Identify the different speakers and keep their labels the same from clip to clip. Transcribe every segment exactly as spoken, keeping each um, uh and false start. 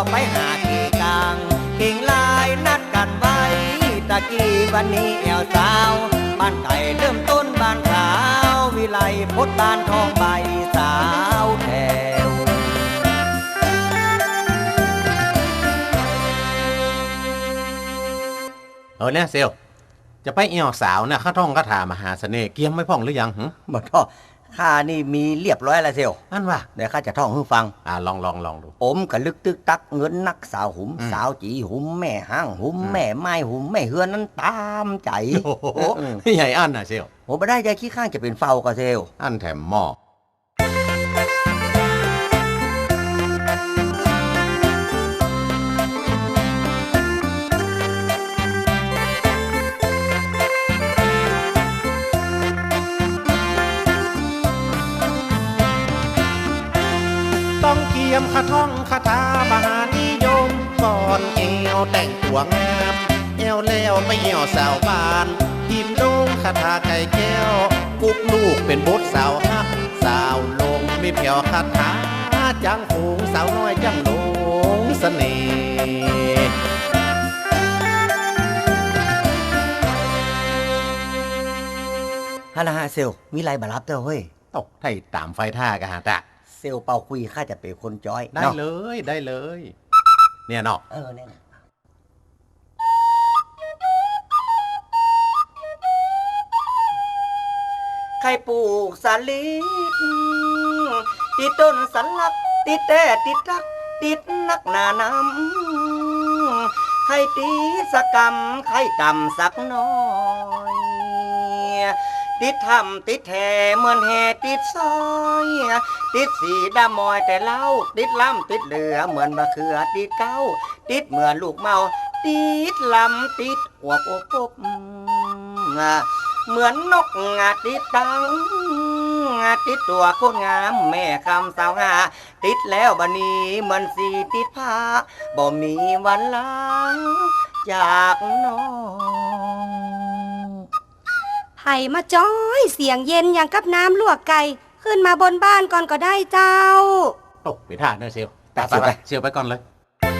Speaker 1: ไปหากี่กลางเก่งลายนัดกันไว้ตะกี้วันนี้แอวสาวบ้านไก่เริ่มต้นบ้านขาววิไลพดบ้านทองใบสาวแถว
Speaker 2: เออเนี่ยเซลจะไปเอี่ยวสาวเนี่ยข้าท่องคาถามหาเสน่ห์เกียมไม่พ่องหรือยังหึ
Speaker 1: บ่ท่อข้านี่มีเรียบร้อยแล้วเซล
Speaker 2: อันว่า
Speaker 1: เดี๋ยวข้าจะท่องให้ฟัง
Speaker 2: อ่าลองลองลองดู
Speaker 1: อมกะลึกตึกตักเงินนักสาวหุมสาวจีหุมแม่ห้างหุมแม่ไม้หุมแม่เฮือนนั้นตามใจ
Speaker 2: โอ้โหใหญ่อันน่ะเซล
Speaker 1: โหไม่ได้ใจขี้ข้างจะเป็นเฝ้ากะเซล
Speaker 2: อันแถมหม้อต้องเกียมคาท่องคาถามหานิยมก่อนเอวแต่งตัวงามเอวแล้วไปเหี่ยวสาวบ้านพิมพ์ลงคาถาไก่แก้วกุกลูกเป็นบทสาวฮักสาวลงมีเพียวคาถาจังหงสาวน้อยจังหลงเสน่ห์
Speaker 1: ฮานาฮาเซลมีไรบารับเต้าเฮ้ย
Speaker 2: ตกไทยตามไฟท่ากะฮะตะ
Speaker 1: เซลเป่าคุยข้าจะเป็นคนจ้อย
Speaker 2: ได้เลยได้เลยเนี่ยเนาะ
Speaker 1: เออเนี่ยใครปลูกสาลิดติดต้นสันลักติดแต่ติดรักติดนักหนาน้ำใครตีสกรรมใครกำสักน้อยติดทำติดแห่เหมือนแห่ติดซอยติดสีดำมอยแต่เล่าติดล้ำติดเหลือเหมือนมะเขือติดเก้าติดเหมือนลูกเมาติดลำติดหัวโปบเหมือนนกงาติดตังติดตัวโคตรงามแม่คำสาวงาติดแล้วบันนี้เหมือนสีติดผ้าบ่มีวันลาจากน้อง
Speaker 3: ไผ่มาจ้อยเสียงเย็นอย่างกับน้ำลวกไก่ขึ้นมาบนบ้านก่อนก็ได้เจ้า
Speaker 2: ตกไปท่าเนอะเซลไปไปเซลไปก่อนเลย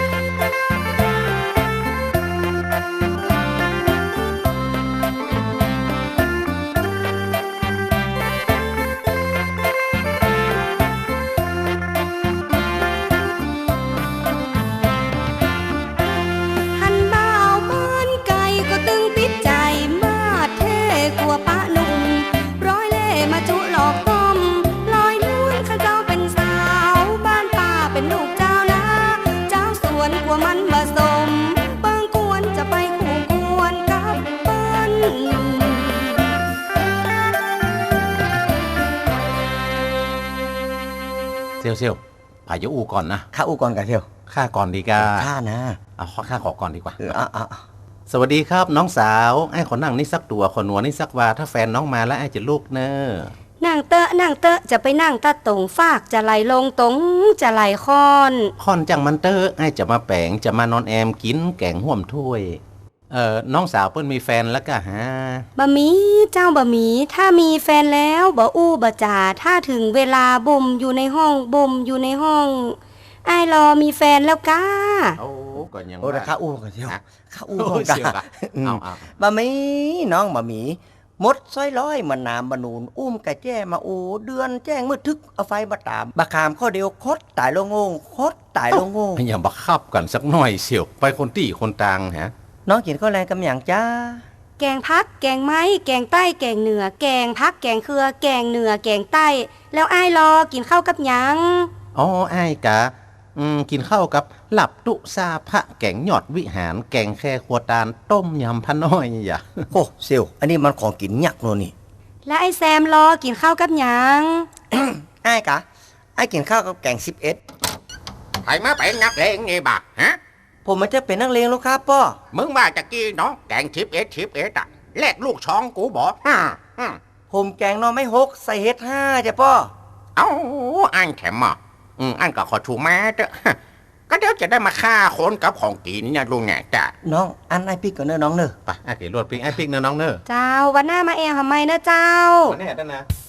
Speaker 2: เซลเซลพายุอูก่อนนะ
Speaker 1: ข้าอูก่อนกันเซล
Speaker 2: ข้าก่อนดีกา
Speaker 1: ข้านะ
Speaker 2: เอาข้าขอก่อนดีกว่า
Speaker 1: เอออ่ะอ่ะ
Speaker 2: สวัสดีครับน้องสาวไอ้ขอนั่งนี่สักตัวขอหนัวนี่สักว่าถ้าแฟนน้องมาแล้วไอ้จะลูกเนอะ
Speaker 3: นั่งเตอะนั่งเตอะจะไปนั่งตะตรงฟากจะไหลลงตรงจะไหลคอน
Speaker 2: คอนจังมันเตอะไอ้จะมาแปงจะมานอนแอมกินแกงห่วมถ้วยเอ่อน้องสาวเปิ้นมีแฟนแล้วก็ฮะ
Speaker 3: บะหมี่เจ้าบะหมี่ถ้ามีแฟนแล้วบ่อู้บ่จ่าถ้าถึงเวลาบ่มอยู่ในห้องบ่มอยู่ในห้องไอ้รอมีแฟนแล้วก้า
Speaker 2: โอ้ก่อนยัง
Speaker 1: โอ้ข้าอู้กันเชียวข้าอู้กัน
Speaker 2: เอาเอา
Speaker 1: บะหมี่น้องบะหมี่มดซ้อยร้อยมันน้ำบะนูนอุ้มกะแจ้มาอูเดือนแจ้งมืดทึกเอาไฟมาตามบะขามข้อเดียวคดตายลงงงคดตายลงงง
Speaker 2: อย่าบักคับกันสักหน่อยเสียวไปคนตี้คนต่างฮะ
Speaker 1: น้องกินข้าวแรงกำอย่างจ้า
Speaker 3: แกงพักแกงไม้แกงใต้แกงเหนือแกงพักแกงเครือแกงเหนือแกงใต้แล้วไอ้รอกินข้าวกับหยัง
Speaker 2: อ๋อไอ้กะอืมกินข้าวกับหลับตุซาพระแกงหยอดวิหารแกงแค่ขัวตาลต้มยำพะน้อยอย่า
Speaker 1: โอ้เซลอันนี้มันของกินยักษ์โน่นี่
Speaker 3: แล้วไอ้แซมรอกินข้าวกับหยัง
Speaker 1: ไอ้กะไอ้กินข้าวกับแกงสิบเอ็ด
Speaker 4: ใครมาเป็นนักเลงไงบักฮะ
Speaker 1: ผมมันจะเป็นนักเลงลูกครับพ่อ
Speaker 4: มึงว่าจะกี้เนาะแกงชิปเอ็ดชิปเอ็ดอะแลกลูกช้องกูบอกฮ่า
Speaker 1: ผมแกงนอไม่หกใส่เฮ็ดห้าจ้ะพ่อ
Speaker 4: เอ้าอันแถมอ่ะอืมอันก็ขอชูแม่เด้อก็เดี๋ยวจะได้มาฆ่าคนกับของกินเนี่ยลุงเนี่ยจ้ะ
Speaker 1: น้องอันไอพิกก่อนเนอะน้องเนอะ
Speaker 2: ไปไอพิกรวดพิกไอพิกเนอะน้องเนอะ
Speaker 3: เจ้าวันหน้ามาแอลทำไมเนอะเจ้า
Speaker 2: วันนี้ได้นะ